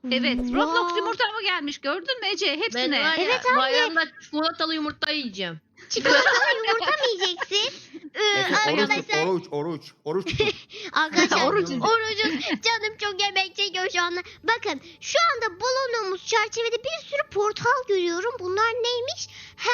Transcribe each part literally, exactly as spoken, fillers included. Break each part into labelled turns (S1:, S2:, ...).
S1: Evet, Roblox
S2: Vay.
S1: yumurta mı gelmiş gördün mü Ece?
S3: Ben
S1: Hepsine.
S3: var ya
S2: Evet anne.
S3: bayramda çikolatalı yumurta yiyeceğim.
S2: Çikolatalı yumurta mı yiyeceksin? Ee,
S4: Efe oruç tut,
S2: arkadaşlar,
S4: oruç, oruç, oruç tutun.
S2: arkadaşlar
S1: Oruç.
S2: orucuz. Canım çok yemek çekiyor şu anda. Bakın şu anda bulunduğumuz çerçevede bir sürü portal görüyorum. Bunlar neymiş? He,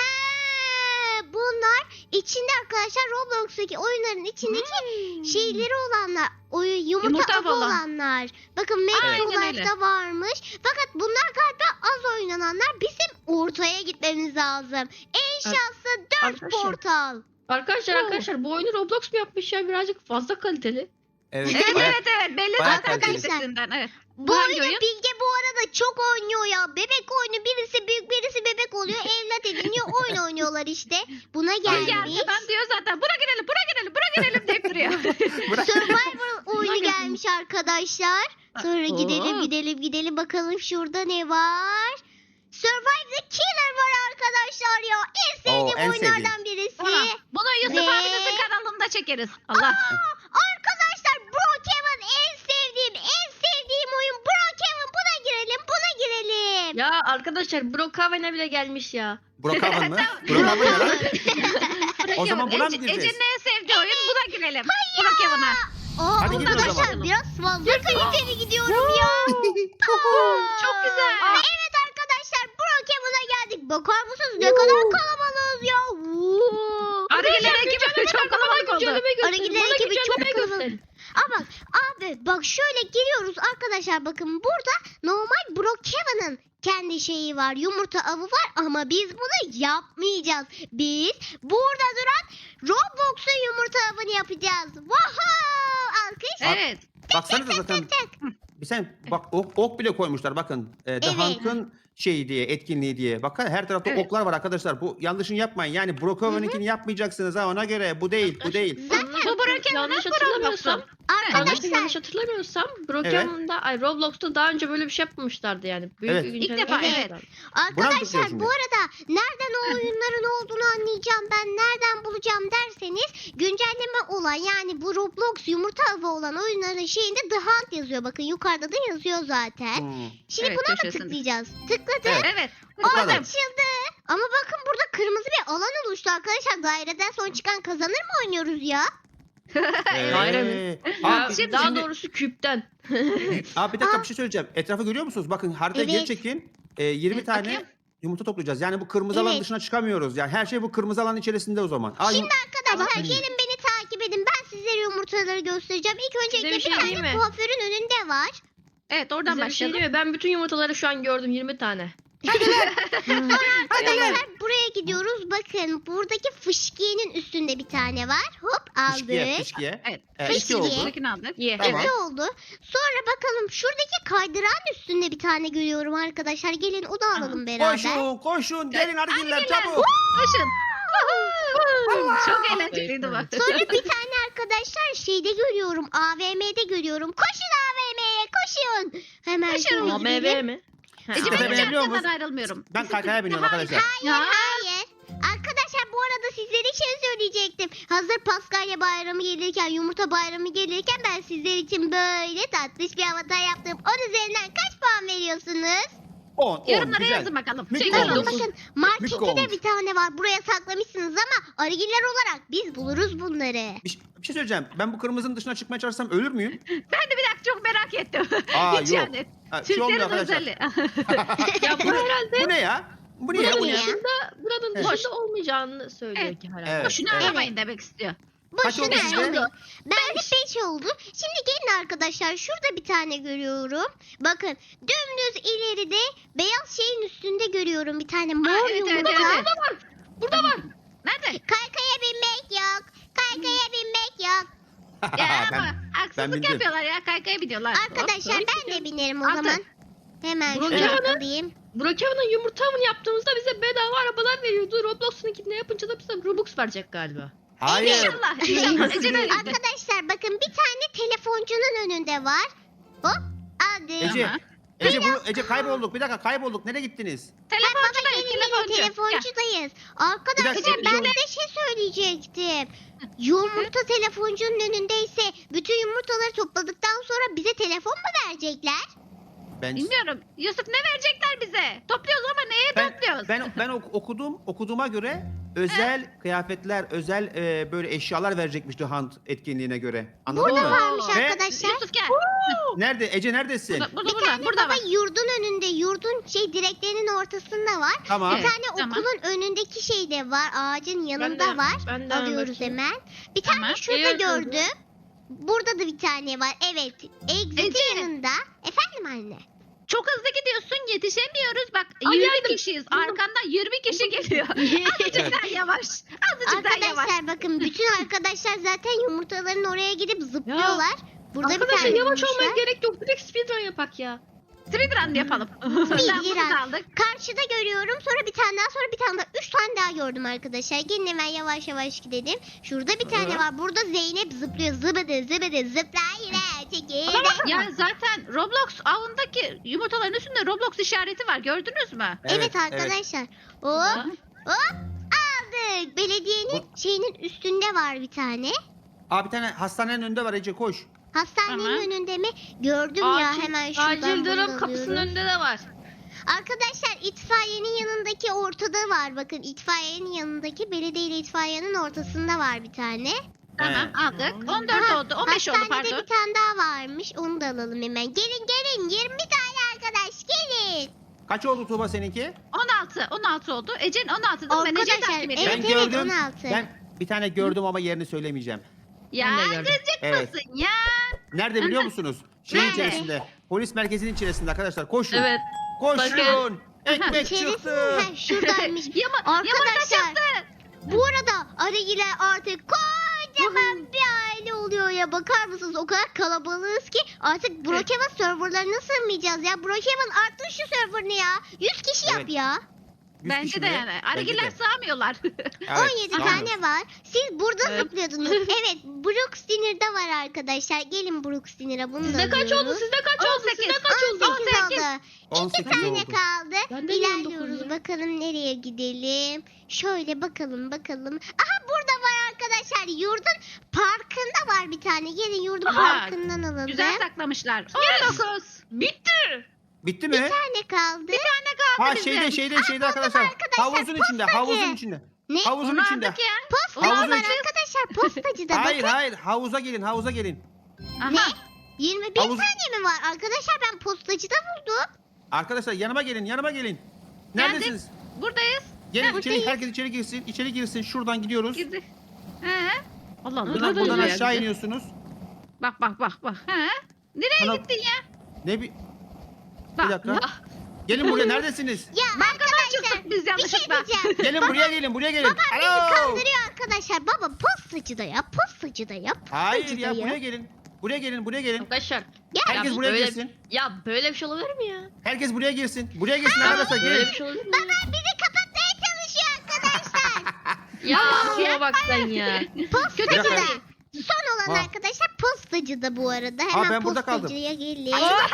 S2: bunlar içinde arkadaşlar Roblox'taki oyunların içindeki
S1: Hmm.
S2: şeyleri olanlar. O yumurta,
S1: Yumurta
S2: avı
S1: olan.
S2: olanlar. Bakın Metro
S1: Aynen öyle.
S2: Life'da varmış. Fakat bunlar galiba az oynananlar. Bizim ortaya gitmemiz lazım. En şanslı dört
S3: Arkadaşlar.
S2: portal.
S3: Arkadaşlar
S1: Oo.
S3: arkadaşlar bu oyunu Roblox mu yapmış ya birazcık fazla kaliteli.
S4: Evet,
S1: Evet
S4: bayağı-
S1: evet evet belli
S4: bayağı
S1: zaten
S4: kaliteli.
S1: sesinden. Evet.
S2: Bu
S1: Hangi
S2: oyunu
S1: oyun?
S2: Bilge bu arada çok oynuyor ya. Bebek oyunu, birisi büyük birisi bebek oluyor. Evlat ediniyor, oyun oynuyorlar işte. Buna
S1: Bilge
S2: gelmiş.
S1: arkadan diyor zaten buna girelim buna girelim buna girelim deyip duruyor.
S4: Bırak.
S2: Survivor oyunu
S1: gelsin.
S2: gelmiş arkadaşlar. Sonra
S1: Oo.
S2: gidelim gidelim gidelim bakalım şurada ne var. Survive the Killer var arkadaşlar ya. En sevdiğim
S4: Oo, en
S2: oyunlardan birisi.
S1: Tamam. Bunu Yusuf
S2: Ve-
S1: abinizin kanalında çekeriz. Allah.
S2: Aa, arkadaşlar Brookhaven en sevdiğim en sevdiğim oyun Brookhaven. Buna girelim buna girelim.
S3: Ya arkadaşlar Brookhaven'e bile gelmiş ya.
S4: Brookhaven mı? Brookhaven ne lan? O zaman buna mı
S1: Ece-
S4: gireceğiz?
S1: Ece'nin en sevdiği oyun buna girelim. Buna Kevin'a.
S2: Aa,
S4: Hadi gidin o
S2: arkadaşlar
S4: zaman.
S2: biraz fazla kaliteli gidiyorum ya.
S1: Çok güzel.
S2: Aa, evet arkadaşlar Brookhaven'a geldik. Bakar mısınız ne kadar kalabalığız ya. Woo.
S1: Arıgeler ekibi çok kalabalık oldu.
S3: Güncelleme gösterin.
S2: Arıgiler
S3: Bana
S2: ekibi çok
S3: güncelleme
S2: kalabalık.
S3: gösterin.
S2: Aa bak abi bak şöyle giriyoruz arkadaşlar bakın burada normal Brookhaven'ın kendi şeyi var, yumurta avı var ama biz bunu yapmayacağız. Biz burada duran Roblox'un yumurta avını yapacağız. Wow! Alkış.
S1: Evet.
S4: Baksanıza zaten. Bir sen bak ok, ok bile koymuşlar bakın. E, The
S2: Evet.
S4: Hunt'ın şeyi diye, etkinliği diye. Bakın her tarafta
S1: Evet.
S4: oklar var arkadaşlar. Bu yanlışını yapmayın. Yani Brookhaven'inkini yapmayacaksınız ha ona göre. Bu değil, bu değil.
S1: Bu Brookhaven'ın
S3: yanlış
S1: Roblox'u.
S3: hatırlamıyorsam, yanlış,
S2: Arkadaşlar
S3: yanlış hatırlamıyorsam Brookhaven'da ay Roblox'ta daha önce böyle bir şey yapmamışlardı yani. Büyük
S4: Evet.
S3: bir
S1: İlk
S3: güncelleme
S1: defa,
S2: evet.
S3: yapmışlardı.
S4: Buna mı
S2: Arkadaşlar
S4: tıklıyorsun
S2: bu
S4: ya?
S2: arada nereden o oyunların olduğunu anlayacağım ben nereden bulacağım derseniz güncelleme olan yani bu Roblox yumurta avı olan oyunların şeyinde The Hunt yazıyor. Bakın yukarıda da yazıyor zaten.
S4: Hmm.
S2: Şimdi
S1: Evet,
S2: buna mı
S1: köşesinde.
S2: tıklayacağız? Tıkladık.
S4: Evet.
S1: Evet.
S2: Aa,
S4: Tıkladım.
S2: açıldı. Ama bakın burada kırmızı bir alan oluştu arkadaşlar. Daireden son çıkan kazanır mı oynuyoruz ya?
S3: Daire mi?
S4: Ee,
S3: Ya,
S4: Abi,
S1: şimdi-
S3: daha
S4: şimdi-
S3: doğrusu küpten.
S4: Abi bir dakika bir şey söyleyeceğim. Etrafı görüyor musunuz? Bakın haritayı geri
S2: Evet.
S4: çekin. Ee, yirmi
S1: Evet,
S4: tane
S1: bakayım.
S4: yumurta toplayacağız. Yani bu kırmızı alan
S2: Evet.
S4: dışına çıkamıyoruz. Yani her şey bu kırmızı alan içerisinde o zaman. Aa,
S2: Şimdi arkadaşlar
S4: Tamam.
S2: gelin beni takip edin. Ben sizlere yumurtaları göstereceğim. İlk öncelikle
S3: bir
S2: bir,
S3: şey
S2: tane
S3: diyeyim mi?
S2: kuaförün önünde var.
S1: Evet oradan
S3: Size bir şey
S1: başlayalım.
S3: diyeyim mi? Ben bütün yumurtaları şu an gördüm yirmi tane.
S2: Arkadaşlar buraya gidiyoruz. Bakın buradaki fışkiyenin üstünde bir tane var. Hop
S4: fışkiye,
S2: aldık.
S4: fışkiye.
S1: Evet.
S4: Ee,
S2: Fışkiye.
S4: iki oldu.
S1: Buradakini aldık.
S3: Ye.
S4: Tamam.
S2: İki oldu. Sonra bakalım şuradaki kaydıran üstünde bir tane görüyorum arkadaşlar. Gelin onu alalım beraber.
S4: Koşun, koşun. Gelin argiller
S1: Argiller.
S4: çabuk.
S1: Koşun. Çok eğlenceliydi bak.
S2: Sonra bir tane arkadaşlar şeyde görüyorum. A V M'de görüyorum. Koşun A V M'ye koşun. Hemen
S1: Koşun.
S2: şöyle
S3: A M
S2: gidelim.
S3: V mi? Ha,
S1: Ece
S4: Tepe
S1: ben hiç
S4: binebiliyor
S1: arkadan
S4: musun?
S1: ayrılmıyorum.
S4: Ben kaykaya biniyorum arkadaşlar.
S1: Ya.
S2: Hayır. Arkadaşlar bu arada sizlere şey söyleyecektim. Hazır Paskalya bayramı gelirken, yumurta bayramı gelirken ben sizler için böyle tatlış bir avatar yaptım. On üzerinden kaç puan veriyorsunuz?
S4: on, on.
S1: Yorumlara
S4: Güzel.
S1: yazın bakalım.
S4: Mik
S1: Şey,
S4: oldu.
S2: Bakın
S3: dokuz.
S2: bakın markette
S4: Mik
S2: de
S4: olmuş.
S2: bir tane var. Buraya saklamışsınız ama arıgiller olarak biz buluruz bunları.
S4: Bir, şey- bir şey söyleyeceğim. Ben bu kırmızının dışına çıkmaya çalışsam ölür müyüm?
S1: Ben de bir dakika çok merak ettim.
S4: Aa
S1: Hiç
S4: yok.
S1: yani.
S4: Ha, şey olmuyor
S1: Türklerin
S4: arkadaşlar.
S1: özelliği.
S3: Ya bu herhalde
S4: Bu ne ya? Bu ne ya?
S2: Bu
S4: Bu
S2: ne
S4: ne?
S2: ya?
S3: dışında, buranın
S4: Evet.
S3: dışında olmayacağını söylüyor
S1: Evet.
S3: ki herhalde.
S4: Evet.
S1: Boşuna
S4: evet.
S1: aramayın demek istiyor.
S4: Kaç oldu
S2: Boşuna
S4: sizde?
S2: oldu. Ben de beş oldu. Şimdi gelin arkadaşlar şurada bir tane görüyorum. Bakın dümdüz ileride beyaz şeyin üstünde görüyorum bir tane mor
S1: Aa, evet, evet,
S2: yumurta.
S1: evet, evet. Burada var. Nerede?
S2: Kaykaya binmek yok. Kaykaya binmek yok.
S1: Ya
S4: ben,
S1: ama
S4: ben
S1: haksızlık
S4: bindim.
S1: yapıyorlar ya. Kaykaya gidiyorlar.
S2: Arkadaşlar
S3: tabii
S2: ben
S3: ki.
S2: de binerim o
S1: Altı.
S2: zaman. Hemen
S3: Bunu
S2: şöyle
S3: hemen-
S2: alayım.
S3: Brookhaven'ın yumurta avını yaptığımızda bize bedava arabalar veriyordu. Roblox'unkini yapınca da bize Robux verecek galiba.
S4: Hayır.
S1: İnşallah. İnşallah. Ece de öyle.
S2: Arkadaşlar bakın bir tane telefoncunun önünde var. Hop aldım.
S4: Ece,
S1: Aha.
S4: Ece, bu, Ece kaybolduk. Bir dakika kaybolduk. Nereye gittiniz?
S1: Telefoncudayız.
S2: Gelin gelin
S1: Telefoncu. Gel.
S2: telefoncudayız. Arkadaşlar
S4: Bir dakika,
S2: ben de şey söyleyecektim. Yumurta telefoncunun önündeyse bütün yumurtaları topladıktan sonra bize telefon mu verecekler?
S4: Ben
S1: Bilmiyorum. Yusuf ne verecekler bize? Topluyoruz ama neye
S4: ben
S1: topluyoruz?
S4: ben, ben ok- okudum okuduğuma göre özel kıyafetler, özel e, böyle eşyalar verecekmişti Hunt etkinliğine göre. Anladın
S2: Burada
S4: mı?
S2: varmış
S4: Ve-
S2: arkadaşlar.
S1: Yusuf gel.
S4: Nerede? Ece neredesin?
S1: Burada, burada,
S2: Bir
S1: burada,
S2: tane
S1: burada
S2: baba
S1: var.
S2: yurdun önünde, yurdun şey direklerinin ortasında var.
S4: Tamam.
S2: Bir
S1: Evet,
S2: tane
S1: tamam.
S2: okulun önündeki şeyde var, ağacın yanında
S3: de-
S2: var.
S3: ben de
S2: Alıyoruz
S3: bakayım.
S2: hemen. Bir tane
S1: Tamam.
S2: şurada
S3: Evet,
S2: gördüm. Burada da bir tane var. Evet. Exit'in
S1: Ece.
S2: yanında. Efendim anne.
S1: Çok hızlı gidiyorsun yetişemiyoruz. Bak
S3: Ay,
S1: yirmi
S3: geldim.
S1: kişiyiz. Arkandan yirmi kişi geliyor. Azıcık
S4: Evet.
S1: daha yavaş. Azıcık daha yavaş.
S2: Arkadaşlar bakın bütün arkadaşlar zaten yumurtaların oraya gidip zıplıyorlar. Burada bir
S3: Arkadaşlar
S2: tane
S3: yavaş olmaya
S2: bulmuşlar.
S3: gerek yok. Direkt speedrun yapak ya.
S1: Speedrun yapalım.
S2: Speedrun.
S1: Bunu da aldık.
S2: Karşıda görüyorum. Sonra bir tane daha, sonra bir tane daha. Üç tane daha gördüm arkadaşlar. Gelin hemen yavaş yavaş gidelim. Şurada bir tane
S4: Hı.
S2: var. Burada Zeynep zıplıyor. Zıbıdı zıbıdı zıpla yine. Çekil.
S1: Ya zaten Roblox avındaki yumurtaların üstünde Roblox işareti var. Gördünüz mü?
S2: Evet, arkadaşlar. Hop
S1: Hı.
S2: aldık. Belediyenin şeyinin üstünde var bir tane.
S4: Aa bir tane hastanenin önünde var Ece koş.
S2: Hastanenin
S1: Tamam.
S2: önünde mi? Gördüm ya
S3: Acil-
S2: hemen şuradan.
S3: Acil
S2: bunu
S3: durum kapısının
S2: alıyorum.
S3: önünde de var.
S2: Arkadaşlar itfaiyenin yanındaki ortada var. Bakın itfaiyenin yanındaki belediye ile itfaiyenin ortasında var bir tane.
S1: Tamam
S4: Evet.
S1: aldık. on dört
S2: Aha,
S1: oldu. on beş oldu
S2: Hastanede
S1: pardon.
S2: bir tane daha varmış. Onu da alalım hemen. Gelin gelin. yirmi tane arkadaş gelin.
S4: Kaç oldu Tuğba seninki?
S1: on altı. on altı oldu. Ecen on altı değil mi? Ben Ece'yi
S2: Arkadaşlar
S1: takip
S2: evet
S1: ediyorum.
S4: Ben
S2: evet
S4: gördüm.
S2: on altı.
S4: Ben bir tane gördüm ama yerini söylemeyeceğim.
S1: Ya
S3: Ben de gördüm.
S1: gıcık
S4: Evet.
S1: mısın ya?
S4: Nerede biliyor musunuz? Şeyin
S2: Nerede?
S4: içerisinde. Polis merkezinin içerisinde arkadaşlar. Koşun.
S3: Evet.
S4: Koşun. Ekmek
S2: İçerisi
S4: çıktı.
S2: ha, şuradaymış.
S1: Yama,
S2: Arkadaşlar,
S1: yumurta çıktı.
S2: Bu arada Aragiler artık kocaman bir aile oluyor ya. Bakar mısınız? O kadar kalabalığız ki artık Brookhaven serverlarına sığmayacağız ya. Brookhaven arttır şu serverını ya. yüz kişi yap
S4: Evet.
S2: ya.
S4: Yüz
S1: Bence
S4: kişi
S1: de
S4: mi?
S1: yani.
S4: Bence
S1: Arıgiler
S4: de.
S1: sığamıyorlar.
S4: Evet,
S2: on yedi
S4: tamam.
S2: tane var. Siz burada
S3: Evet.
S2: zıplıyordunuz. Evet, Brooks Dinner'da var arkadaşlar. Gelin Brooks Dinner'a bunu da
S3: Sizde kaç oldu?
S2: alıyoruz.
S3: Sizde kaç oldu? Sizde
S1: on sekiz.
S3: kaç oldu?
S2: on sekiz
S1: on sekiz.
S2: oldu.
S4: on
S2: İki
S4: sekiz
S2: tane
S4: oldu.
S2: kaldı.
S3: Ben de on dokuz
S2: İlerliyoruz.
S3: ya.
S2: Bakalım nereye gidelim. Şöyle bakalım bakalım. Aha burada var arkadaşlar. Yurdun parkında var bir tane. Gelin yurdun
S1: Aha,
S2: parkından alalım.
S1: Güzel saklamışlar. on dokuz.
S3: Bitti.
S4: Bitti
S2: Bir
S4: mi?
S2: tane kaldı.
S1: Ne kaldı
S4: Ha
S1: bizim?
S4: şeyde şeyde şeyde arkadaşlar.
S2: arkadaşlar,
S4: Havuzun içinde,
S2: postacı.
S4: havuzun içinde.
S2: Ne?
S4: Havuzun
S1: Onu
S4: içinde.
S1: aldık ya.
S2: Postacı
S4: Havuzun
S2: var
S4: içi-
S2: arkadaşlar. Postacı da
S4: Hayır
S2: bakın.
S4: hayır havuza gelin havuza gelin.
S1: Aha.
S2: yirmi bir
S4: Havuz-
S2: tane mi var? Arkadaşlar ben postacıda buldum.
S4: Arkadaşlar yanıma gelin yanıma gelin. Neredesiniz?
S1: Buradayız.
S4: Gelin
S2: Ha,
S4: içeri
S2: buradayız.
S4: herkes içeri girsin. İçeri girsin. Şuradan gidiyoruz.
S1: Girdi. He. Allah Allah.
S4: Buradan,
S3: Nereden
S4: buradan
S3: gidiyor
S4: aşağı
S3: ya?
S4: iniyorsunuz.
S1: Bak bak bak bak. He. Nereye
S4: Ana-
S1: gittin ya?
S4: Ne bir
S1: Bak.
S4: bir dakika.
S1: Ya,
S4: Gelin buraya neredesiniz?
S2: Ya arkadaşlar
S1: çıktık biz
S2: bir şey
S1: yanlışlıkla.
S2: diyeceğim.
S4: Gelin buraya gelin buraya gelin.
S2: Bizi
S4: Alo.
S2: kandırıyor arkadaşlar. Baba postacıda ya. Postacıda ya.
S4: Hayır
S2: Postacıda
S4: ya buraya gelin. Buraya gelin buraya gelin.
S3: Arkadaşlar.
S4: Herkes
S3: ya
S4: buraya
S3: böyle-
S4: girsin.
S3: Ya böyle bir şey olabilir mi ya?
S4: Herkes buraya girsin. Buraya girsin arkadaşlar
S3: Böyle
S4: gelin.
S3: bir şey olabilir mi?
S2: Baba bizi kapatmaya çalışıyor arkadaşlar.
S3: Ya şuna bak sen ya.
S2: Postacıda.
S4: dakika.
S2: Son olan
S4: Ha.
S2: arkadaşlar postacıda bu arada. Hemen
S4: ben burada kaldım.
S2: postacıya gelin.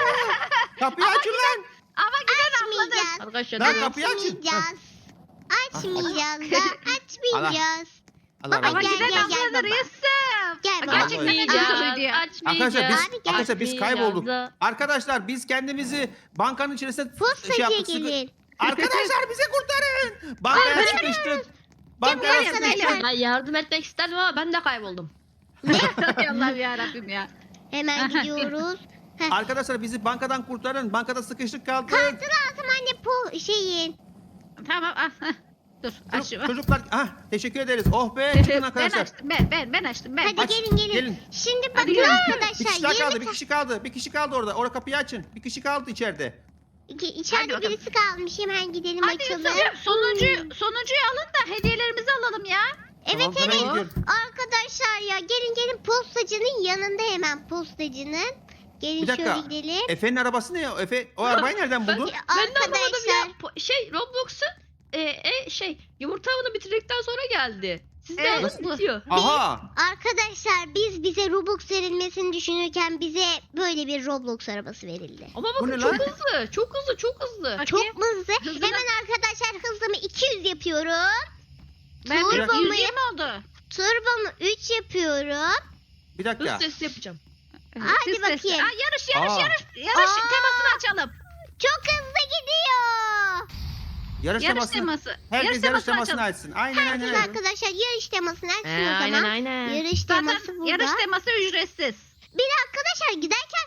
S4: Kapıyı açın lan.
S1: Ama giden atladı.
S2: Açmayacağız.
S3: Arkadaşlar
S4: Lan
S3: ben-
S4: kapıyı açın.
S2: Açmayacağız. Açmayacağız da açmayacağız.
S4: Allah
S2: Baba,
S1: Ama
S4: razı
S2: gel,
S4: olsun.
S1: giden
S2: gel, gel
S1: atladı
S2: baba.
S1: Yusuf.
S2: Gel baba.
S1: Gerçekten ne
S3: Açmayacağız,
S1: diyor?
S4: Arkadaşlar biz
S2: Abi gel.
S4: arkadaşlar biz kaybolduk.
S3: Açmayacağız.
S4: Arkadaşlar biz kendimizi bankanın içerisinde şey
S2: Postacıya
S4: yaptık. sıkı-
S2: Arkadaşlar.
S4: Arkadaşlar bize kurtarın. Bankaya sıkıştık. Bankaya
S1: buraya,
S4: sıkıştık.
S1: gel.
S3: Ben yardım etmek isterdim ama ben de kayboldum.
S1: Allah'ım yarabbim ya.
S2: Hemen gidiyoruz. Heh.
S4: Arkadaşlar bizi bankadan kurtarın. Bankada sıkıştık kaldık.
S2: Kartı lazım anne po şeyin.
S1: Tamam al. heh. Dur aç
S4: Çocuk-
S1: şunu.
S4: Çocuklar ah teşekkür ederiz. Oh be çıkın
S1: Ben
S4: arkadaşlar.
S1: açtım ben ben ben açtım ben.
S2: Hadi
S4: Aç,
S2: gelin gelin.
S4: gelin.
S2: Şimdi
S1: Hadi
S2: bakın
S1: gelin.
S4: Bir
S2: arkadaşlar
S4: kişi daha kaldı.
S2: yirmi
S4: Bir
S2: ta-
S4: kişi kaldı. Bir kişi kaldı orada. Orada kapıyı açın. Bir kişi kaldı içeride.
S2: İki, içeride
S1: bakalım.
S2: birisi kalmış. Hemen gidelim
S1: Hadi
S2: açalım.
S1: Yusuf sonuncuyu, sonuncuyu alın da hediyelerimizi alalım ya.
S2: Evet
S4: Tamam, hemen
S2: evet.
S4: gidiyorum.
S2: Arkadaşlar ya gelin gelin postacının yanında hemen postacının. Gelin
S4: Bir dakika.
S2: şöyle gidelim.
S4: Efe'nin arabası ne ya? Efe o arabayı nereden
S3: Ben,
S4: buldun?
S3: ben de anlamadım ya.
S2: Arkadaşlar.
S3: Po- Şey Roblox'un e, e, şey yumurta avını bitirdikten sonra geldi. Sizde
S1: Evet,
S3: nasıl
S1: bu-
S3: bitiyor?
S4: Aha.
S2: Arkadaşlar biz bize Robux verilmesini düşünürken bize böyle bir Roblox arabası verildi.
S3: Ama
S4: Bu
S3: bakın
S4: ne
S3: çok
S4: lan?
S3: hızlı. Çok hızlı çok hızlı.
S2: Çok mu hızlı?
S1: Hızlı.
S2: Hemen arkadaşlar hızımı iki yüz yapıyorum.
S1: Ben
S2: Turbo mu?
S1: yüz yirmi oldu.
S2: Turbomu üç yapıyorum.
S4: Bir
S3: Hız
S4: dakika.
S3: testi yapacağım.
S2: Hadi
S1: Siz sesi.
S2: bakayım.
S1: Aa, yarış yarış
S4: Aa.
S1: yarış. Yarış
S2: Aa.
S1: temasını açalım.
S2: Çok hızlı gidiyor.
S4: Yarış,
S1: Yarış
S4: temasını.
S1: teması.
S4: Herkes yarış
S1: temasını
S4: temasını
S1: açalım.
S4: açsın. Aynen aynen.
S2: Herkes
S4: aynen.
S2: arkadaşlar yarış temasını açsın
S3: Ee,
S2: o
S3: aynen
S2: zaman.
S3: aynen.
S2: Yarış teması
S1: Zaten
S2: burada.
S1: yarış teması ücretsiz.
S2: Bir de arkadaşlar giderken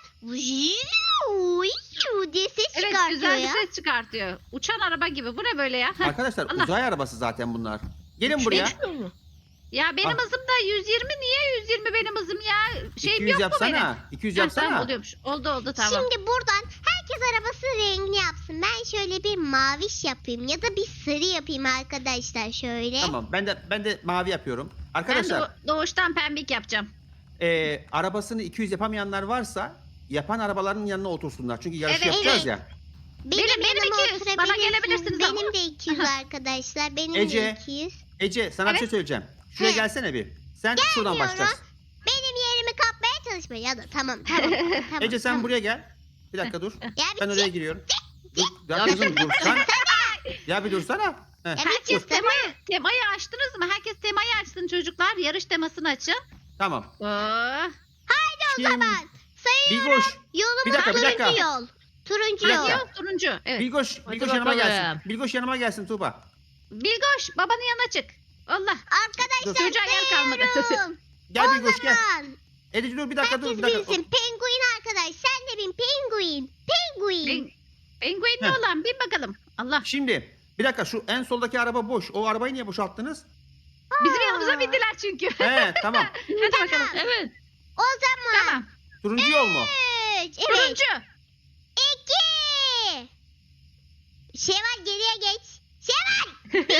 S2: vuuu diye ses
S1: Evet
S2: çıkartıyor
S1: güzel bir
S2: ya.
S1: ses çıkartıyor. Uçan araba gibi. Bu ne böyle ya? Heh.
S4: Arkadaşlar
S1: Allah.
S4: uzay arabası zaten bunlar. Gelin buraya.
S3: Uçmuyor mu?
S1: Ya benim
S4: Ah.
S1: hızım da yüz yirmi. Niye yüz yirmi benim hızım ya? Şeyim
S4: iki yüz
S1: yok mu benim?
S4: yapsana. iki yüz
S1: Ha, tamam
S4: yapsana.
S1: oluyormuş. Oldu oldu tamam.
S2: Şimdi buradan herkes arabasının rengini yapsın. Ben şöyle bir maviş yapayım ya da bir sarı yapayım arkadaşlar şöyle.
S4: Tamam ben de ben de mavi yapıyorum.
S1: Ben
S4: Arkadaşlar
S1: doğ- doğuştan pembik yapacağım.
S4: e, arabasını iki yüz yapamayanlar varsa yapan arabaların yanına otursunlar. Çünkü yarış
S1: Evet,
S4: yapacağız
S2: evet.
S4: ya.
S2: Benim,
S1: Benim- benim
S2: yanıma
S1: iki yüz. Bana
S2: oturabilirsiniz.
S1: gelebilirsiniz ama.
S2: Benim de iki yüz arkadaşlar. Benim
S4: Ece.
S2: de iki yüz.
S4: Ece sana bir şey söyleyeceğim. Şuraya
S2: He.
S4: gelsene bir. Sen şuradan
S2: Gelmiyorum.
S4: başlayacaksın.
S2: Benim yerimi kapmaya çalışma ya da tamam tamam. tamam
S4: Ece sen
S2: tamam.
S4: buraya gel. Bir dakika dur.
S2: Ya bir
S4: Ben oraya
S2: çık.
S4: giriyorum. Dur, ya kızım dursan. Ya bir dursana. Heh.
S2: Ya bir
S1: Herkes
S2: çık tamam.
S1: temayı, temayı açtınız mı? Herkes temayı açsın çocuklar. Yarış temasını açın.
S4: Tamam.
S1: Oo.
S2: O
S4: Şimdi
S2: zaman sayıyorum.
S4: Bilgoş.
S2: Yolumuz
S4: Bir dakika, bir
S2: turuncu
S4: dakika.
S2: yol. Turuncu
S4: Bir
S2: yol.
S4: dakika.
S1: Turuncu, turuncu. Evet.
S4: Bilgoş,
S3: Hadi
S4: Bilgoş yanıma
S3: bakalım.
S4: gelsin. Bilgoş yanıma gelsin Tuğba.
S1: Bilgoş babanın yanına çık. Allah.
S2: Arkadaşlar
S1: Çocuğa yer kalmadı.
S2: sayıyorum.
S4: Gel
S2: O
S4: Bilgoş gel.
S2: zaman
S4: Ece dur bir dakika dur
S2: herkes
S4: bir dakika.
S2: bilsin. Penguin arkadaş. Sen de bin penguin. Penguin.
S1: Ben, penguenli
S4: Heh.
S1: olan bin bakalım. Allah.
S4: Şimdi bir dakika şu en soldaki araba boş. O arabayı niye boşalttınız?
S1: Bizim
S2: Aa.
S1: yanımıza bindiler çünkü.
S4: He tamam.
S1: Hadi bakalım.
S3: Evet.
S2: O zaman.
S1: Tamam.
S4: Turuncu yol mu?
S2: Üç. Evet.
S1: Turuncu.
S2: İki. Şevval geriye geç. Şevval.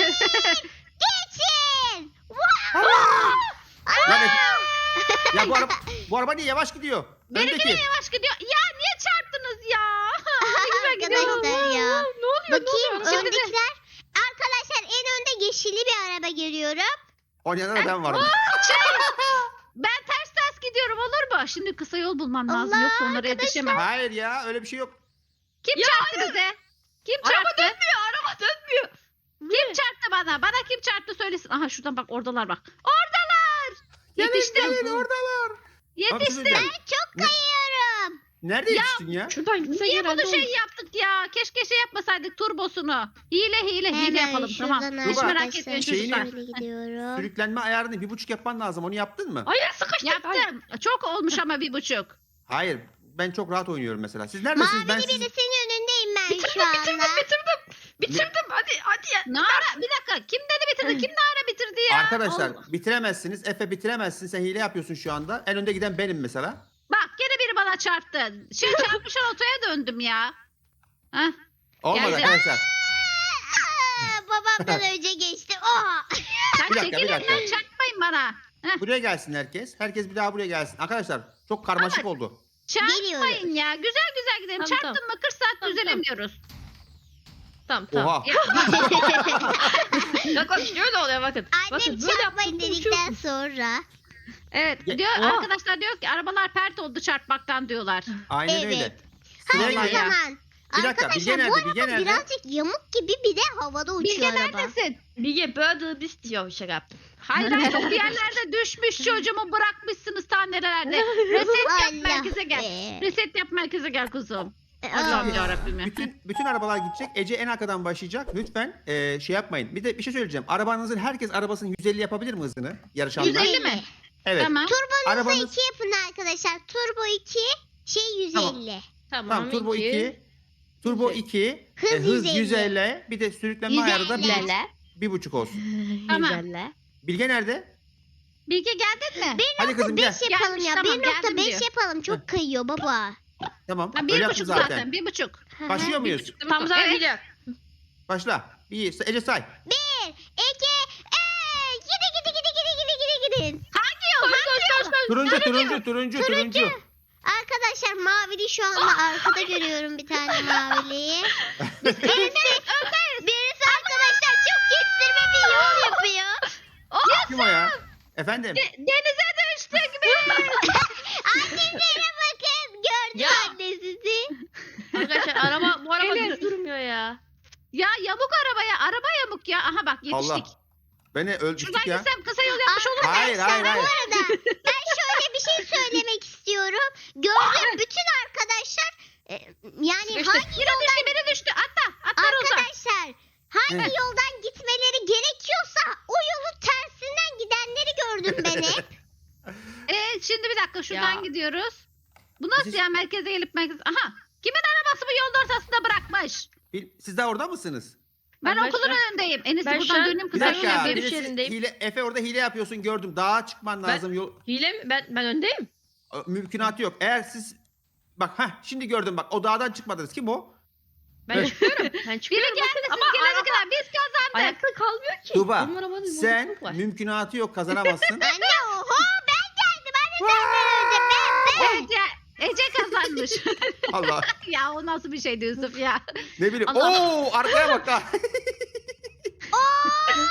S2: Geçin. Wow.
S4: Ya, be- ya bu araba bu araba niye yavaş gidiyor?
S1: Benimki de
S4: Öndeki.
S1: yavaş gidiyor. Ya niye çarptınız ya? Ne güzel gidiyor.
S2: Arkadaşlar ya.
S3: Ne oluyor?
S2: Bakayım
S3: Ne oluyor?
S1: Şimdi de-
S2: öndekiler. Arkadaşlar en önde yeşilli bir araba görüyorum.
S4: O yanında da ben varım.
S1: Şey, ben ters ters gidiyorum olur mu? Şimdi kısa yol bulmam lazım.
S2: Allah,
S1: Yoksa onlara yetişemem.
S4: Hayır ya öyle bir şey yok.
S1: Kim
S3: Ya
S1: çarptı bize? Kim
S3: Araba
S1: çarptı?
S3: dönmüyor. Araba dönmüyor.
S1: Kim çarptı bana? Bana kim çarptı söylesin. Aha şuradan bak oradalar bak. Oradalar.
S4: Gelin
S1: Yetiştim.
S4: gelin oradalar. Abi,
S1: Yetiştim.
S4: siz de-
S2: Çok
S4: Ne-
S2: kayıyorum.
S4: Nerede
S1: Ya,
S4: yetiştin ya?
S3: Şuradan gitse
S1: Niye
S3: herhalde
S1: bunu şey
S3: olur.
S1: yaptık ya? Keşke şey yapmasaydık turbosunu. Hile hile hile
S2: Hemen
S1: yapalım tamam.
S2: şuradan
S1: Hiç
S4: Tuğba,
S1: merak
S2: arkadaşlar
S1: etmeyin
S4: şeyini-
S1: çocuklar.
S2: şöyle gidiyorum.
S4: Sürüklenme ayarını bir buçuk yapman lazım. Onu yaptın mı?
S3: Hayır sıkıştık. Hayır.
S1: Yaptım. Çok olmuş ama bir buçuk.
S4: Hayır. Ben çok rahat oynuyorum mesela. Siz neredesiniz? Ben
S2: Mavili
S4: siz...
S2: birisinin önündeyim ben
S3: Bitirdim
S2: şu anda.
S3: bitirdim bitirdim. Bitirdim hadi hadi ya.
S1: Nara bir dakika. Kim dedi bitirdi? Kim Nara bitirdi ya?
S4: Arkadaşlar
S1: Allah.
S4: bitiremezsiniz. Efe bitiremezsin. Sen hile yapıyorsun şu anda. En önde giden benim mesela.
S1: Bak gene biri bana çarptı. Şey çarpmışan otoya döndüm ya. Hah.
S4: Olmadı
S1: Geldi.
S4: arkadaşlar.
S2: Aa, babamdan önce geçti. Oha.
S1: Sen
S4: Bir dakika, bir
S1: çekilin
S4: dakika.
S1: lan çarpmayın bana. Heh.
S4: Buraya gelsin herkes. Herkes bir daha buraya gelsin. Arkadaşlar çok karmaşık oldu.
S1: Çarpmayın ya. Güzel güzel gidelim.
S3: Tamam,
S1: Çarptın mı kırk saat
S3: Tamam,
S1: düzelemiyoruz.
S3: Tamam tamam.
S4: Oha.
S1: Ya,
S3: Bak bak şöyle oluyor bakın.
S2: Annem
S3: Bakın böyle
S2: çarpmayın
S3: yaptım,
S2: dedikten sonra.
S1: evet
S4: Ya-
S1: diyor
S3: Oha.
S1: arkadaşlar diyor ki arabalar pert oldu çarpmaktan diyorlar.
S4: Aynen
S2: Evet.
S4: öyle.
S2: Hadi
S4: Sıraya
S1: Vallahi
S2: o
S4: gelin.
S1: ya.
S2: zaman.
S4: Bir dakika, Bilge
S2: Arkadaşlar bu
S4: nerede? Bilge
S2: araba
S4: nerede?
S2: birazcık yamuk gibi bir de havada uçuyor
S1: Bilge
S2: araba.
S1: neredesin?
S3: Bilge böyle biz diyor şaka yaptım.
S1: Hayır hayır bir yerlerde düşmüş çocuğumu bırakmışsınız ta nerelerde. Reset yap
S2: Allah
S1: merkeze gel.
S2: be.
S1: Reset yap merkeze gel kuzum.
S2: Aa.
S1: Allah'ım yarabbim ya.
S4: Bütün bütün arabalar gidecek. Ece en arkadan başlayacak. Lütfen eee, şey yapmayın. Bir de bir şey söyleyeceğim. Arabanızın herkes arabasının yüz elli yapabilir mi hızını? Yarışanlar.
S1: yüz elli mi?
S4: Evet.
S1: Tamam.
S2: Turbonuzu
S4: Arabanız-
S2: iki yapın arkadaşlar. Turbo iki, şey yüz elli.
S3: Tamam,
S4: Tamam turbo iki. Turbo
S3: Yüz elli.
S4: iki.
S2: Hız
S4: e, hız
S2: yüz elli.
S4: yüz elli. Bir de sürüklenme
S2: yüz
S4: ayarı da bir,
S2: elli.
S4: bir buçuk olsun.
S1: Tamam.
S3: Güzelle.
S4: Bilge nerede?
S1: Bilge geldin mi?
S4: Hadi kızım gel.
S2: beş yapalım
S1: Gelmiş,
S2: ya.
S1: tamam,
S2: bir nokta
S1: geldim
S2: beş
S1: diyor.
S2: yapalım. Çok kayıyor baba.
S4: Tamam.
S1: Ha,
S4: Öyle
S1: bir
S4: yaptım
S1: buçuk
S4: zaten.
S1: zaten. Bir buçuk.
S4: Başlıyor
S1: Bir
S4: muyuz?
S1: buçuk değil mi?
S3: Tam zaten
S1: Evet.
S3: biliyor.
S4: Başla. Bir. Ece say.
S2: Bir, iki, üç. Gidi gidi gidi gidi gidi gidi gidin.
S1: Hangi yol? Hangi yol?
S4: Turuncu turuncu turuncu turuncu.
S2: Arkadaşlar mavili şu anda arkada görüyorum bir tane maviliyi. Birisi, birisi arkadaşlar çok kestirme bir yol yapıyor.
S4: Kim o ya? Efendim?
S1: De- denize düştük mü?
S2: Annelere bakın. Gördüm
S3: Ya.
S2: anne sizi.
S3: Arkadaşlar araba bu araba
S1: Evet.
S3: düz durmuyor ya.
S1: Ya yamuk arabaya. Araba yamuk ya. Aha bak yetiştik.
S4: Allah. Beni
S1: Şuradan
S4: öldürdük ya.
S1: gitsem kısa yol yapmış olur muyum?
S4: Hayır hayır
S2: Bu
S4: hayır.
S2: arada ben şöyle bir şey söylemek istiyorum. Gördüğüm bütün arkadaşlar e, yani
S1: Sıkıştık.
S2: hangi
S1: Yine düştü şuradan
S3: ya.
S1: gidiyoruz. Bu nasıl
S4: Siz-
S1: ya merkeze gelip merkez... Aha! Kimin arabası bu yolun ortasında bırakmış?
S4: Bil- Siz daha orada mısınız?
S1: Ben
S3: Ben
S1: okulun
S3: şu an-
S1: önündeyim. En iyisi
S3: ben şu
S1: buradan
S3: an-
S1: döneyim
S4: Bir
S1: kızlar.
S3: Ben
S4: dakika.
S3: yine
S4: birisi
S3: görüş yerindeyim.
S4: hile, Efe orada hile yapıyorsun gördüm. Dağa çıkman
S3: Ben-
S4: lazım. Yol,
S3: Hile mi? Ben, ben öndeyim.
S4: mümkünatı yok. Eğer siz bak ha şimdi gördüm bak o dağdan çıkmadınız. Kim o?
S3: Ben
S4: Evet.
S3: çıkıyorum. Ben
S1: Biri
S3: çıkıyorum.
S1: geldi siz
S3: Ama
S1: gelene
S3: araba
S1: kadar biz kazandık.
S3: ayakta kalmıyor ki.
S4: Tuba
S3: Benim arabanın
S4: sen
S3: bozukluk var.
S4: mümkünatı yok kazanamazsın.
S2: Anne oho ben geldim. Anne senden önce ben ben.
S1: Ece, Ece kazanmış.
S4: Allah
S1: ya o nasıl bir şeydi Yusuf ya?
S4: ne bileyim.
S1: Allah.
S4: Oo arkaya bak ha.
S2: Hoppa!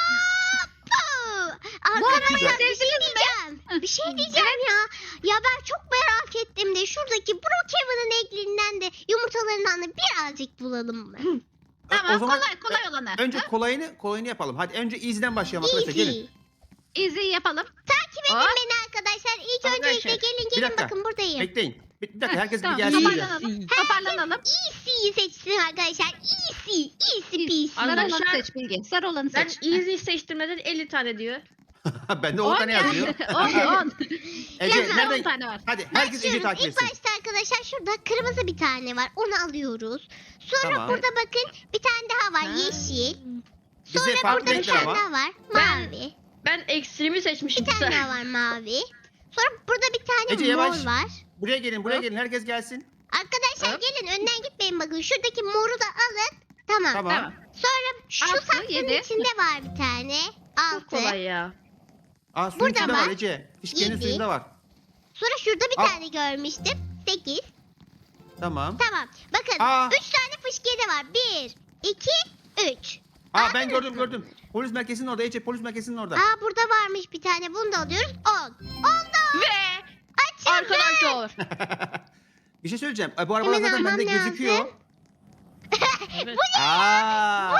S1: Bu arabayı
S2: Arkadaşlar bir şey
S1: sevdiniz mi?
S2: diyeceğim. Bir şey diyeceğim ya. Ya ben çok merak ettim de şuradaki Brookhaven'ın ekliğinden de yumurtalarından da birazcık bulalım mı?
S1: Tamam
S4: o zaman
S1: kolay kolay olanı.
S4: önce kolayını kolayını yapalım. Hadi önce easy'den başlayalım arkadaşlar.
S2: Easy.
S4: Gelin.
S1: Easy yapalım.
S2: Takip edin
S1: Hop.
S2: beni arkadaşlar. İlk
S3: Arkadaşlar,
S2: öncelikle gelin
S4: bir
S2: gelin
S4: dakika.
S2: bakın buradayım.
S4: Bekleyin. Bir, bir dakika
S1: Heh,
S4: herkes
S1: tamam,
S4: bir gelsin.
S1: toparlanalım.
S4: buraya.
S1: Toparlanalım.
S2: Easy'yi seçsin arkadaşlar. Easy. Easy peasy.
S1: Sarı olanı
S3: Arkadaşlar,
S1: seç Bilge. Sarı olanı
S3: Ben
S1: seç.
S3: easy seçtirmeden elli tane diyor.
S4: Bende on tane yazıyor.
S1: on on.
S4: Ece
S1: on
S4: nereden?
S1: tane var.
S4: Hadi herkes Ece
S2: Başlıyoruz.
S4: takip
S2: İlk
S4: etsin.
S2: başta arkadaşlar şurada kırmızı bir tane var. Onu alıyoruz. Sonra
S4: Tamam.
S2: burada bakın bir tane daha var.
S3: Ha.
S2: Yeşil.
S4: Bize
S2: Sonra
S4: farklı
S2: burada bir
S4: renkler
S2: tane
S4: ama.
S2: daha var.
S3: Ben-
S2: Mavi.
S3: Ben ekstremi seçmişim.
S2: Bir tane daha var mavi. Sonra burada bir tane
S4: Ece,
S2: mor
S4: yavaş.
S2: var.
S4: Buraya gelin, buraya
S3: Hop.
S4: gelin. Herkes gelsin.
S2: Arkadaşlar
S3: Hop.
S2: gelin önden gitmeyin bakın. Şuradaki moru da alın. Tamam.
S4: Tamam.
S1: Tamam.
S2: Sonra şu
S1: Altı,
S2: saksının
S1: yedi.
S2: içinde var bir tane.
S3: Çok
S2: Altı.
S3: kolay ya.
S4: Aa suyun
S2: Burada
S4: içinde var
S2: var.
S4: Ece. Fişkenin
S2: Yedi.
S4: suyunda var.
S2: Sonra şurada bir
S4: Al.
S2: tane görmüştüm. Sekiz.
S4: Tamam.
S2: Tamam. Bakın
S4: Aa.
S2: üç tane fışkiye de var. Bir, iki, üç.
S4: Aa ben gördüm gördüm. Polis merkezinin orada Ece. Polis merkezinin orada.
S2: Aa burada varmış bir tane. Bunu da alıyoruz. On. Oldu.
S3: Ve
S2: Açıldı.
S3: arkadaşlar.
S4: Bir şey söyleyeceğim. Ay, bu arabalar
S2: Hemen
S4: zaten
S2: almam
S4: bende
S2: lazım.
S4: gözüküyor.
S3: Evet.
S4: Aa.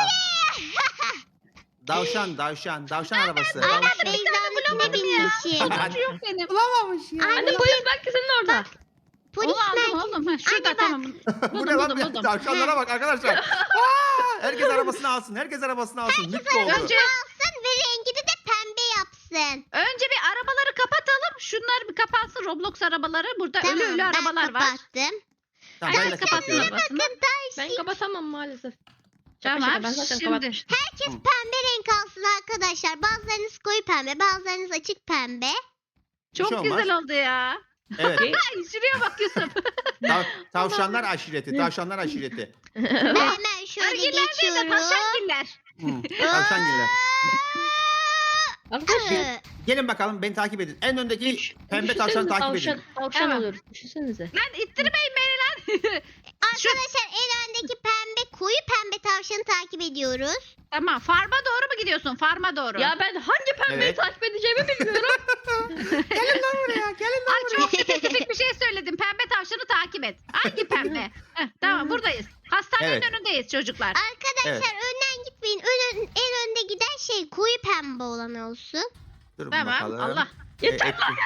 S4: Davşan, davşan, davşan arabası.
S2: Ana
S3: Tavşan.
S2: Beyza'nınkine binmişim.
S4: Hadi.
S1: Yok benim.
S4: Bulamamış ya.
S2: Anne,
S3: Anne polis merkezinin orada.
S2: Polis
S1: Onu aldım
S2: merkezi.
S1: oğlum. Ha, şurada
S2: Anne bak.
S1: tamam.
S4: Bu
S1: Buldum
S4: ne lan?
S1: buldum
S4: be?
S1: buldum.
S4: Tavşanlara bak arkadaşlar. Aa, herkes arabasını alsın. Herkes arabasını alsın. Mutlu oldu.
S1: Önce,
S2: Alsın ve rengini de pembe yapsın.
S1: önce bir arabaları kapatalım. Şunlar bir kapansın Roblox arabaları. Burada
S2: Tamam
S1: ölü ölü
S2: ben
S1: arabalar var.
S2: kapattım.
S4: Tamam ben de
S1: Herkes kapatsın
S4: kapatıyorum.
S1: arabasını.
S2: Bakın
S3: Ben
S2: Darcy.
S3: kapatamam maalesef. Şaka
S1: Tamam.
S3: şaka, ben zaten
S1: Şimdi
S3: kapatmıştım.
S2: Herkes pembe renk alsın arkadaşlar. Bazılarınız koyu pembe, bazılarınız açık pembe.
S4: şey
S1: çok
S4: olmaz.
S1: güzel oldu ya.
S4: Evet.
S1: Ay şuraya bak Yusuf.
S4: Tav- tavşanlar aşireti. Tavşanlar aşireti.
S2: Ben hemen şöyle
S1: Ergiller değil de
S2: geçiyorum.
S1: taşangiller.
S4: Hmm, tavşangiller.
S3: Arkadaşlar.
S2: Ee,
S4: Gelin bakalım beni takip edin. En öndeki
S3: Üç-
S4: pembe
S3: düşünsenize
S4: tavşanı takip
S3: tavşan,
S4: edin.
S3: Tavşan
S1: Tamam.
S3: oluyoruz. Düşünsenize.
S1: Lan ittirmeyin beni lan.
S2: Arkadaşlar en öndeki pembe, koyu pembe tavşanı takip ediyoruz.
S1: Tamam farma doğru mu gidiyorsun? Farma doğru.
S3: Ya ben hangi pembeyi
S4: Evet.
S3: takip edeceğimi bilmiyorum.
S4: Gelin lan buraya. Gelin lan
S1: Ay çok spesifik bir şey söyledim. Pembe tavşanı takip et. Hangi pembe? Heh, tamam buradayız. Hastanenin
S4: Evet.
S1: önündeyiz çocuklar.
S2: Arkadaşlar önden gitmeyin. Ön, en önde giden şey koyu pembe olan olsun.
S4: Dur
S1: Tamam
S4: bakalım.
S1: Allah.
S3: Yeter
S4: E,
S3: lan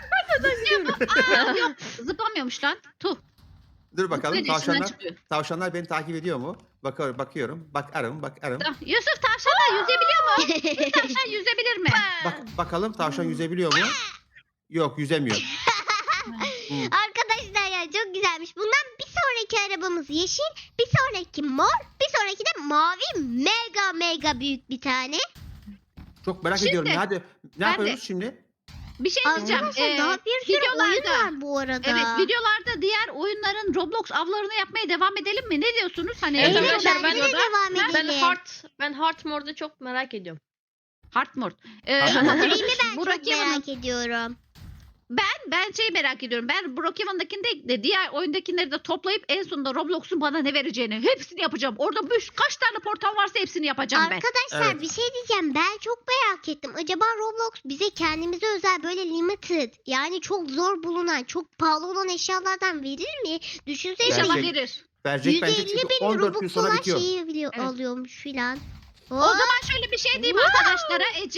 S1: Aa, yok zıplamıyormuş lan. Tuh.
S4: Dur bakalım
S1: Zıplayınca içinden
S4: tavşanlar.
S1: çıkıyor.
S4: Tavşanlar beni takip ediyor mu? Bakıyorum, bakıyorum. Bakarım, bakarım.
S1: Tamam. Yusuf tavşanlar yüzebiliyor mu? Yusuf tavşan yüzebilir mi?
S4: Bak bakalım tavşan yüzebiliyor mu? Yok, yüzemiyor. Hmm.
S2: Arkadaşlar ya çok güzelmiş. Bundan bir sonraki arabamız yeşil, bir sonraki mor, bir sonraki de mavi mega mega büyük bir tane.
S4: Çok merak
S1: Şimdi,
S4: ediyorum. ya. Hadi ne
S1: ben
S4: yapıyoruz
S1: de-
S4: şimdi?
S1: Bir şey diyeceğim.
S2: Arkadaşlar
S1: Ee,
S2: daha bir sürü oyun
S1: videolarda-
S2: var bu arada.
S1: Evet videolarda diğer oyunların Roblox avlarını yapmaya devam edelim mi? Ne diyorsunuz? Hani
S3: Evet,
S2: Evet,
S3: arkadaşlar,
S2: bence
S3: ben-
S2: de devam
S3: Ben
S2: edelim.
S3: Heart, ben Heart More'da çok merak ediyorum.
S1: Heartmore. Ee,
S4: Heartmore.
S2: Dream'i ben
S1: Burak
S2: çok
S1: Yaman'ın-
S2: merak ediyorum.
S1: Ben ben şeyi merak ediyorum. Ben Brookhaven'dakinde de diğer oyundakileri de toplayıp en sonunda Roblox'un bana ne vereceğini hepsini yapacağım. Orada bir, kaç tane portal varsa hepsini yapacağım ben.
S2: Arkadaşlar
S4: Evet.
S2: bir şey diyeceğim. Ben çok merak ettim. Acaba Roblox bize kendimize özel böyle limited yani çok zor bulunan, çok pahalı olan eşyalardan verir mi? Düşünsene
S1: İnşallah
S4: Gerçek-
S1: verir.
S4: Verecek bence
S2: yüz elli
S4: çünkü
S2: bin
S4: on dört gün
S2: Robux
S4: sonra
S2: olan
S4: bitiyor.
S2: şeyi biliyor,
S1: Evet.
S2: alıyormuş filan.
S1: O zaman şöyle bir şey diyeyim arkadaşlara Ece.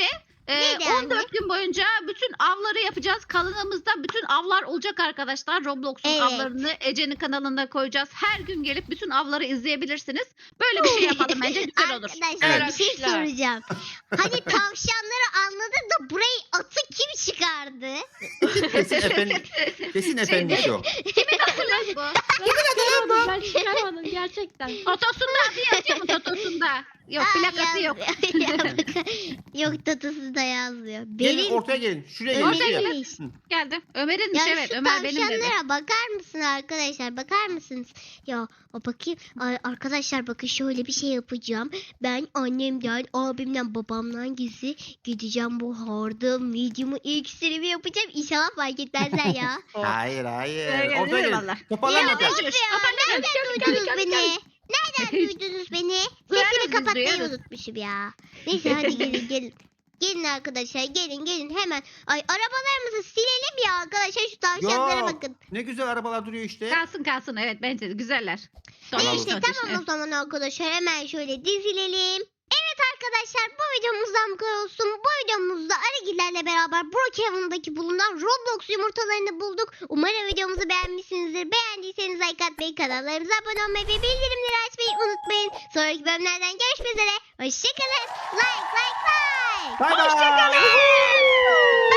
S1: Ee,
S2: Neydi
S1: on
S2: anne?
S1: dört gün boyunca bütün avları yapacağız. Kanalımızda bütün avlar olacak arkadaşlar. Roblox'un
S2: Evet.
S1: avlarını Ece'nin kanalında koyacağız. Her gün gelip bütün avları izleyebilirsiniz. Böyle bir şey yapalım bence güzel olur.
S2: Arkadaşlar
S4: Evet.
S2: bir şey
S3: Arkadaşlar.
S2: soracağım. Hani tavşanları anladım da burayı atı kim çıkardı?
S4: Kesin efendim. Kesin efendim o.
S1: Hatırladın mı?
S3: çıkarmadım, ben çıkarmadım gerçekten.
S1: Totosunda adı yazıyor mu Totosunda? Yok
S2: Aa,
S1: plakası yok.
S2: yazmıyor. Ya bak- yok tatlısı da yazmıyor.
S4: Gelin
S2: Benim
S4: ortaya gelin. Şuraya gelin.
S1: Ortaya
S4: Şuraya.
S1: gelin.
S4: Hı.
S1: Geldi. Ömer'inmiş
S2: ya
S1: evet.
S2: şu
S1: Ömer benim dedi.
S2: tavşanlara bakar mısın arkadaşlar? Bakar mısınız? Ya o bakayım. Ay, arkadaşlar bakın şöyle bir şey yapacağım. Ben annemden, abimden, babamdan gizli gideceğim bu harda medium'u iksirimi yapacağım. İnşallah fark etmezler ya.
S4: Hayır hayır.
S1: Öyle
S4: Ortaya
S1: değil
S4: gelin.
S1: valla.
S4: Toparlanın
S2: Ya
S4: ortaya.
S2: of ya, nereden duydunuz beni? Nereden duydunuz beni?
S1: Duyarız
S2: Sesimi
S1: biz,
S2: kapatmayı
S1: duyarız.
S2: unutmuşum ya. Neyse hadi gelin gelin. Gelin arkadaşlar gelin gelin hemen. Ay arabalarımızı silelim ya arkadaşlar şu tavşanlara
S4: Yok.
S2: bakın.
S4: Ne güzel arabalar duruyor işte.
S1: Kalsın kalsın evet bence de güzeller. Tontiş,
S2: Neyse
S1: tontiş,
S2: tamam o
S1: evet.
S2: zaman arkadaşlar hemen şöyle dizilelim. Evet arkadaşlar bu videomuzdan bu kadar olsun. Bu videomuzda Arıgillerle beraber Brookhaven'daki bulunan Roblox yumurtalarını bulduk. Umarım videomuzu beğenmişsinizdir. Beğendiyseniz like atmayı, kanallarımıza abone olmayı ve bildirimleri açmayı unutmayın. Sonraki bölümlerden görüşmek üzere. Hoşçakalın. Like like like.
S4: Bay bay.
S1: Hoşçakalın.